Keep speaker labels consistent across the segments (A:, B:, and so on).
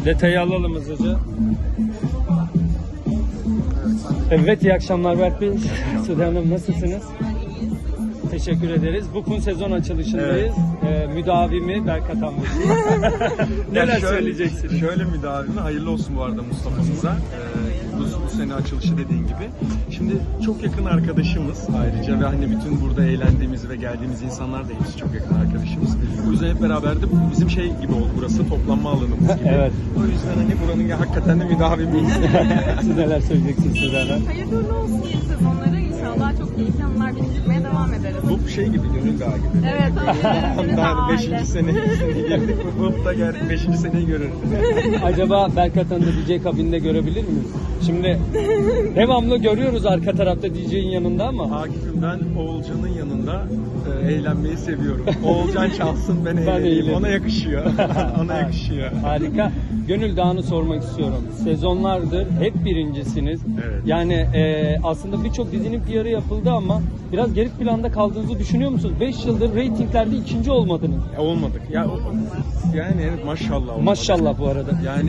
A: Detayı alalım hızlıca. Evet, iyi akşamlar Berk Bey. Sude Hanım, nasılsınız? Teşekkür ederiz. Bukun sezon açılışındayız. Müdavimi Berk Atan Bey. Neler söyleyeceksiniz?
B: Şöyle müdavimi, hayırlı olsun bu arada Mustafa'mıza. Bu sene açılışı dediğin gibi. Şimdi çok yakın arkadaşımız ayrıca ve hani bütün burada eğlendiğimiz ve geldiğimiz insanlar da hepsi çok yakın arkadaşımız. O yüzden hep beraber de bizim şey gibi oldu, burası toplanma alanımız gibi.
A: Evet.
B: O yüzden hani buranın hakikaten de müdavimiyiz.
A: Siz neler söyleyeceksiniz Sude Hanım?
C: Hayırlı olsun yeni sezonlara. İnşallah çok keyifli anılar biriktirmeye devam ederiz.
B: Bu şey gibi, Gönül Dağı gibi.
C: Evet, aynen.
B: Daha 5. senesine girdik. Bu da geldik 5. seneyi görürüz.
A: Acaba Berk Atan'ı da DJ kabininde görebilir miyiz? Şimdi devamlı görüyoruz arka tarafta DJ'in yanında ama.
B: Akif'im, ben Oğulcan'ın yanında eğlenmeyi seviyorum. Oğulcan çalsın, ben eğleneyim.
A: eğleneyim.
B: Ona yakışıyor. Ona yakışıyor.
A: Harika. Gönül Dağı'nı sormak istiyorum. Sezonlardır hep birincisiniz.
B: Evet.
A: Yani aslında birçok dizinin PR'ı yapıldı ama biraz geri planda kaldığınızı düşünüyor musunuz? 5 yıldır reytinglerde ikinci olmadınız.
B: Olmadık. Yani evet, maşallah olmadık.
A: Maşallah bu arada.
B: Yani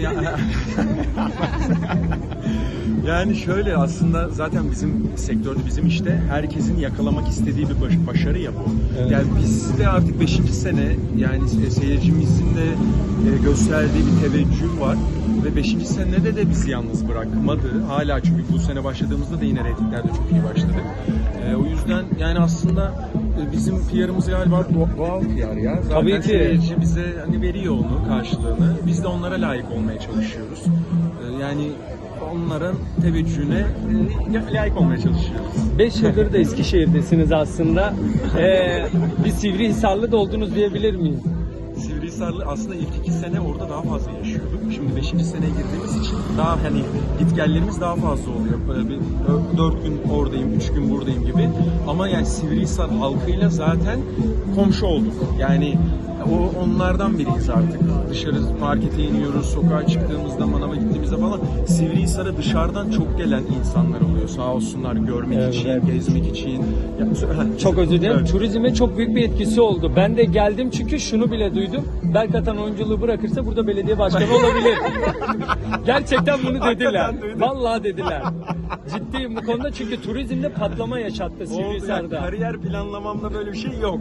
B: yani şöyle, aslında zaten bizim sektörde, bizim işte herkesin yakalamak istediği bir başarı ya bu.
A: Evet.
B: Yani biz de artık 5. sene, yani seyircimizin de gösterdiği bir teveccüh var ve 5. senede de bizi yalnız bırakmadı. Hala, çünkü bu sene başladığımızda da yine reytinglerde çok iyi başladık. O yüzden yani aslında bizim PR'ımız galiba doğal PR ya. Zaten
A: Tabii ki.
B: seyirci bize hani veriyor onu, karşılığını. Biz de onlara layık olmaya çalışıyoruz. Yani onların teveccühüne layık olmaya çalışıyoruz.
A: 5 yıldır da Eskişehir'desiniz aslında. Bir Sivrihisarlı da oldunuz diyebilir miyiz?
B: Sivrihisarlı aslında ilk 2 sene orada daha fazla yaşıyorduk. Şimdi 5. seneye girdiğimiz için daha hani gitgellerimiz daha fazla oluyor. Böyle bir 4 gün oradayım, 3 gün buradayım gibi. Ama yani Sivrihisar halkıyla zaten komşu olduk. Yani onlardan biriyiz artık. Dışarı markete iniyoruz, sokağa çıktığımızda, manava gittiğimizde falan Sivrihisar'a dışarıdan çok gelen insanlar oluyor. Sağ olsunlar, görmek için, gezmek için.
A: Çok özür dilerim.
B: Evet.
A: Turizme çok büyük bir etkisi oldu. Ben de geldim çünkü şunu bile duydum. Berk Atan oyunculuğu bırakırsa burada belediye başkanı olabilir. Gerçekten bunu dediler.
B: duydum.
A: Vallahi dediler. Ciddiyim bu konuda, çünkü turizmde patlama yaşattı Sivrihisar'da.
B: Kariyer planlamamda böyle bir şey yok.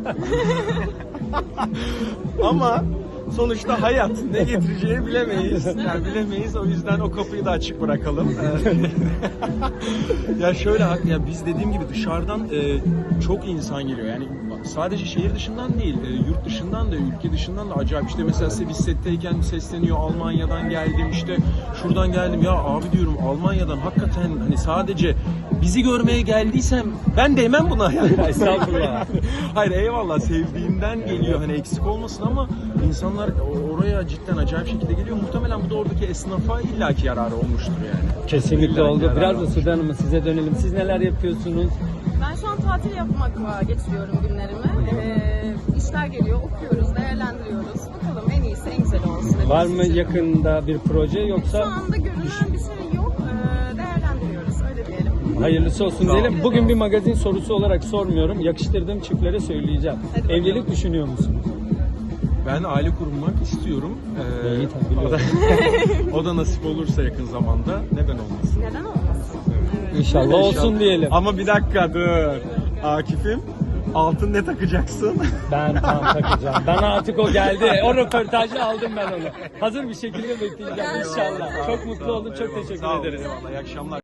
B: Ama sonuçta hayat ne getireceğini bilemeyiz. Yani bilemeyiz, o yüzden o kapıyı da açık bırakalım. Ya şöyle, ya biz dediğim gibi dışarıdan çok insan geliyor. Yani sadece şehir dışından değil, yurt dışından da, ülke dışından da acayip. İşte mesela biz setteyken sesleniyor, Almanya'dan geldim, işte şuradan geldim. Ya abi diyorum, Almanya'dan hakikaten hani sadece bizi görmeye geldiysem ben değmem buna yani.
A: Estağfurullah.
B: Hayır, eyvallah, sevdiğimden geliyor, hani eksik olmasın, ama insanlar oraya cidden acayip şekilde geliyor. Muhtemelen bu da oradaki esnafa illaki yararı olmuştur yani.
A: Kesinlikle
B: İllaki
A: oldu.
B: yararı
A: Biraz da
B: olmuştur.
A: Sude Hanım'a, size dönelim. Siz neler yapıyorsunuz?
C: Ben şu an tatil yapmakla geçiriyorum günlerimi. İşler geliyor, okuyoruz, değerlendiriyoruz. Bakalım en iyisi, en güzeli olsun.
A: Var mı yakında bir proje,
C: Şu
A: yoksa
C: anda görünen bir şey yok. Değerlendiriyoruz, öyle diyelim.
A: hayırlısı olsun diyelim. Bugün bir magazin sorusu olarak sormuyorum. Yakıştırdığım çiftlere söyleyeceğim.
C: Hadi bakalım.
A: Evlilik düşünüyor musunuz?
B: Ben aile kurmak istiyorum.
A: İyi, tabii,
B: O da, o da nasip olursa yakın zamanda, neden olmasın?
C: Neden olmasın? Evet.
A: İnşallah olsun diyelim.
B: Ama bir dakika dur. Akif'im, altın ne takacaksın?
A: Ben tam takacağım. Bana artık o geldi. O röportajı aldım ben onu. Hazır bir şekilde bekleyeceğim inşallah. Çok mutlu oldum. Çok
B: Eyvallah,
A: teşekkür
B: sağ ol,
A: ederiz.
B: eyvallah, iyi akşamlar.